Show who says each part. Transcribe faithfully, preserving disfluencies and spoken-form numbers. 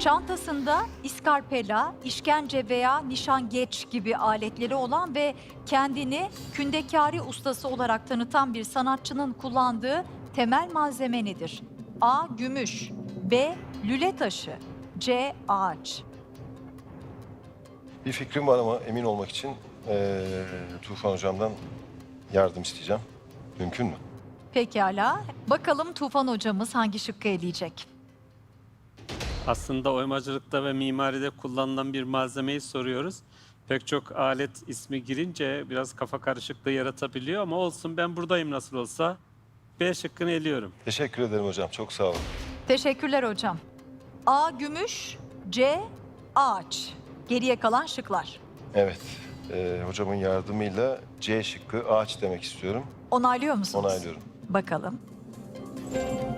Speaker 1: Çantasında iskarpela, işkence veya nişangeç gibi aletleri olan ve kendini kündekari ustası olarak tanıtan bir sanatçının kullandığı temel malzeme nedir? A. Gümüş, B. Lüle taşı, C. Ağaç.
Speaker 2: Bir fikrim var ama emin olmak için eee, Tufan Hocam'dan yardım isteyeceğim. Mümkün mü?
Speaker 1: Pekala. Bakalım Tufan hocamız hangi şıkkı eleyecek?
Speaker 3: Aslında oymacılıkta ve mimaride kullanılan bir malzemeyi soruyoruz. Pek çok alet ismi girince biraz kafa karışıklığı yaratabiliyor ama olsun, ben buradayım nasıl olsa. B şıkkını eliyorum.
Speaker 2: Teşekkür ederim hocam. Çok sağ olun.
Speaker 1: Teşekkürler hocam. A. Gümüş, C. Ağaç. Geriye kalan şıklar.
Speaker 2: Evet. eee, hocamın yardımıyla C şıkkı ağaç demek istiyorum.
Speaker 1: Onaylıyor musunuz?
Speaker 2: Onaylıyorum.
Speaker 1: Bakalım.